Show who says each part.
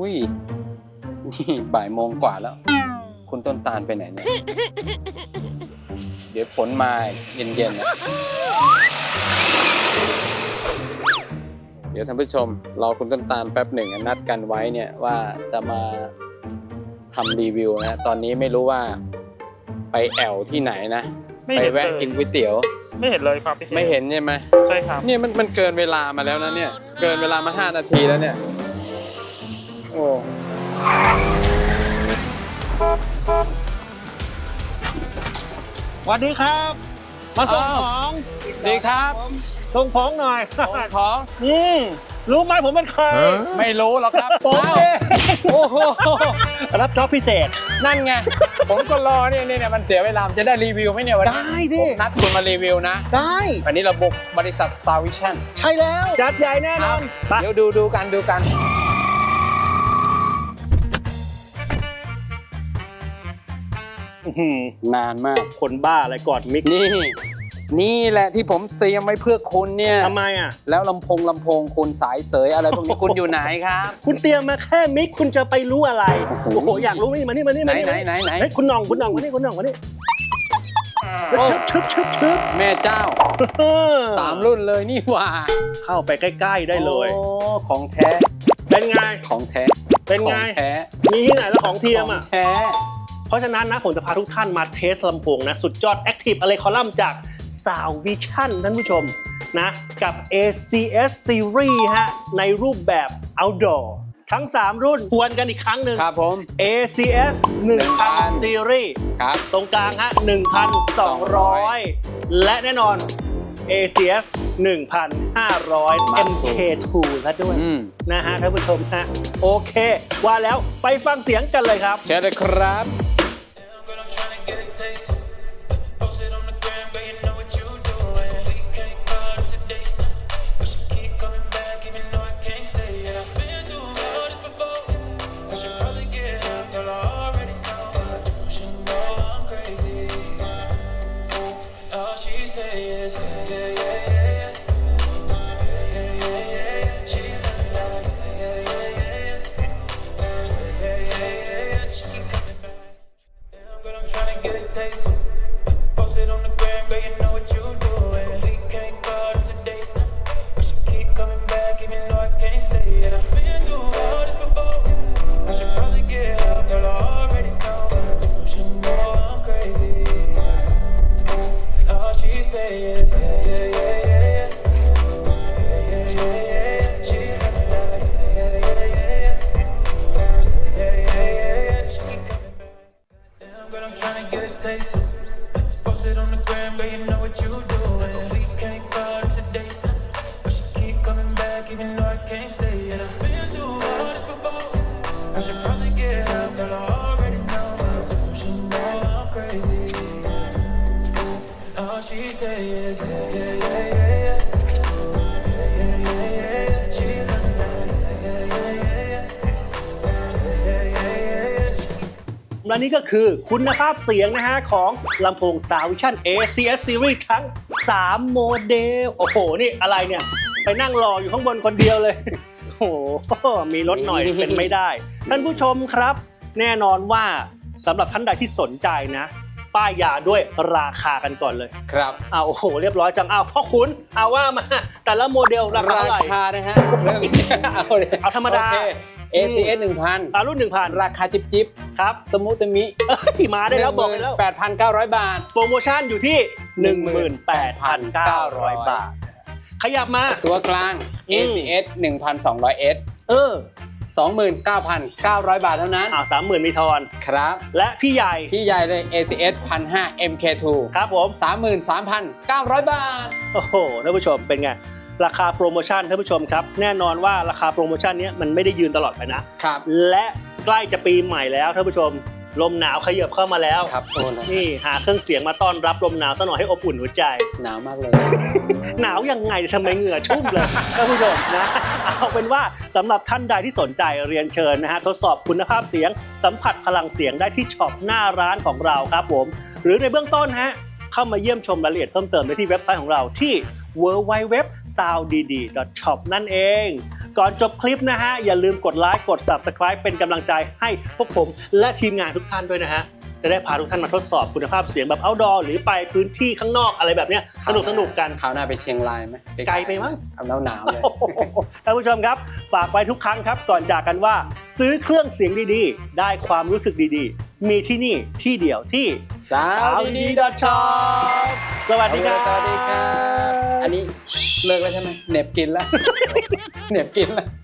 Speaker 1: อุ้ยนี่บ่ายโมงกว่าแล้วคุณต้นตาลไปไหนเนี่ยเดี๋ยวฝนมาเย็นๆนะเดี๋ยวท่านผู้ชมรอคุณต้นตาลแป๊บหนึ่งนัดกันไว้เนี่ยว่าจะมาทำรีวิวนะตอนนี้ไม่รู้ว่าไปแอวที่ไหนนะไปแวะกินก๋วยเตี๋ยว
Speaker 2: ไม่เห็นเลยครับพี่
Speaker 1: ไม่เห็นใช่ไหม
Speaker 2: ใช่ครับ
Speaker 1: เนี่ยมันเกินเวลามาแล้วนะเนี่ยเกินเวลามา5 นาทีแล้วเนี่ยโอ้
Speaker 3: สวัสดีครับมาส่งของ
Speaker 1: ดีครับ
Speaker 3: ส่งของหน่อย
Speaker 1: ของ
Speaker 3: รู้ไหมผมเป็นใคร
Speaker 1: ไม่รู้หรอกครับ
Speaker 3: ผมเอง
Speaker 1: โอ้โห
Speaker 3: รับจ็อบพิเศษ
Speaker 1: นั่นไงผมก็รอเนี่ยมันเสียเวลาจะได้รีวิวไหมเนี่ยวันนี้
Speaker 3: ได้ดิ
Speaker 1: ผมนัดคุณมารีวิวนะ
Speaker 3: ได้
Speaker 1: วันนี้เราบุกบริษัท Soundvision
Speaker 3: ใช่แล้วจัดใหญ่แน่นอน
Speaker 1: เดี๋ยวดูกันนานมาก
Speaker 3: คนบ้าอะไรกอดมิก
Speaker 1: นี่แหละที่ผมเตรียมไว้เพื่อคุณเนี่ย
Speaker 3: ทำไมอ่ะ
Speaker 1: แล้วลำโพงคุณสายเสยอะไรพวกนี้คุณอยู่ไหนครับ
Speaker 3: คุณเตรียมมาแค่มิกคุณจะไปรู้อะไรโอ้โหอยากรู้นี่มานี่
Speaker 1: ไหน
Speaker 3: เฮ้ยคุณน้องมานี่ชึบ
Speaker 1: แม่เจ้า3 รุ่นเลยนี่ว่า
Speaker 3: เข้าไปใกล้ๆได้เลย
Speaker 1: โอ้ของแท้
Speaker 3: เป็นไง
Speaker 1: ของแท้
Speaker 3: เป็นไง
Speaker 1: แท้
Speaker 3: มีที่ไหนแล้วของเทียมอ่ะ
Speaker 1: แท้
Speaker 3: เพราะฉะนั้นนะผมจะพาทุกท่านมาเทสลำโพงนะสุดยอด Active Array Column จาก Soundvision ท่านผู้ชมนะกับ ACS Series ฮะในรูปแบบ Outdoor ทั้ง3รุ่นทวนกันอีกครั้งหนึ่ง
Speaker 1: ครับผม
Speaker 3: ACS 1000 Series
Speaker 1: ครับ
Speaker 3: ตรงกลางฮะ 1,200 และแน่นอน ACS 1,500 MK2 แล้วด้วยนะฮะท่านผู้ชมฮะโอเคว่าแล้วไปฟังเสียงกันเลยครับ
Speaker 1: เชิญเลยครับ
Speaker 3: และนี่ก็คือคุณภาพเสียงนะฮะของลำโพง Soundvision ACS Series ทั้ง3โมเดลโอ้โหนี่อะไรเนี่ยไปนั่งรออยู่ข้างบนคนเดียวเลยโอ้โหมีรถหน่อยเป็นไม่ได้ท่านผู้ชมครับแน่นอนว่าสำหรับท่านใดที่สนใจนะป้ายยาด้วยราคากันก่อนเลย
Speaker 1: ครับ
Speaker 3: โอ้โหเรียบร้อยจังพ่อคุณว่ามาแต่ละโมเดลราคาเท่าไหร่
Speaker 1: ราคานะฮะ
Speaker 3: เอาธรรมดา
Speaker 1: ACS 1,000
Speaker 3: รุ่น 1,000
Speaker 1: ราคาจิ๊บ
Speaker 3: ครับ
Speaker 1: ตะมุตะมิ
Speaker 3: มาได้แล้วบอกไปแล้ว
Speaker 1: 8,900 บาท
Speaker 3: โปรโมชั่นอยู่ที่ 18,900 บาทขยับมา
Speaker 1: ตัวกลาง ACS 1,200S 29,900 บาทเท่านั้น
Speaker 3: 30,000มีทอน
Speaker 1: ครับ
Speaker 3: และพี่ใหญ่
Speaker 1: เลย ACS 1,500 MK2
Speaker 3: ครับผม
Speaker 1: 33,900 บาท
Speaker 3: โอ้โหท่านผู้ชมเป็นไงราคาโปรโมชั่นท่านผู้ชมครับแน่นอนว่าราคาโปรโมชั่นนี้มันไม่ได้ยืนตลอดไปนะครับและใกล้จะปีใหม่แล้วท่านผู้ชมลมหนาวขยับเข้ามาแล้ว
Speaker 1: ครับ
Speaker 3: นี่หาเครื่องเสียงมาต้อนรับลมหนาวซะหน่อยให้อบอุ่นหัวใจ
Speaker 1: หนาวมากเลย
Speaker 3: หนาวยังไงทำไมเหงื่อชุ่มเลยท่านผู้ชมนะเอาเป็นว่าสำหรับท่านใดที่สนใจเรียนเชิญนะฮะทดสอบคุณภาพเสียงสัมผัสพลังเสียงได้ที่ช็อปหน้าร้านของเราครับผมหรือในเบื้องต้นฮะเข้ามาเยี่ยมชมรายละเอียดเพิ่มเติมได้ที่เว็บไซต์ของเราที่ www.sounddidi.shop นั่นเอง ก่อนจบคลิปนะฮะอย่าลืมกดไลค์กด Subscribe เป็นกำลังใจให้พวกผมและทีมงานทุกท่านด้วยนะฮะจะได้พาทุกท่านมาทดสอบคุณภาพเสียงแบบ outdoor หรือไปพื้นที่ข้างนอกอะไรแบบเนี้ยสนุกกัน
Speaker 1: คราวหน้าไปเชียงรายไหม
Speaker 3: ไกลไปมั้ง
Speaker 1: เอาหนาวๆเลย
Speaker 3: ท่านผู้ชมครับฝากไว้ทุกครั้งครับก่อนจากกันว่าซื้อเครื่องเสียงดีๆ ได้ความรู้สึกดีๆ มีที่นี่ที่เดียวที่
Speaker 1: sounddidi.shop
Speaker 3: สวัสดีครับ
Speaker 1: สวัสดีครับ อันนี้เลิกแล้วใช่ไหมเหน็บกินแล้ว เหน็บกินแล้ว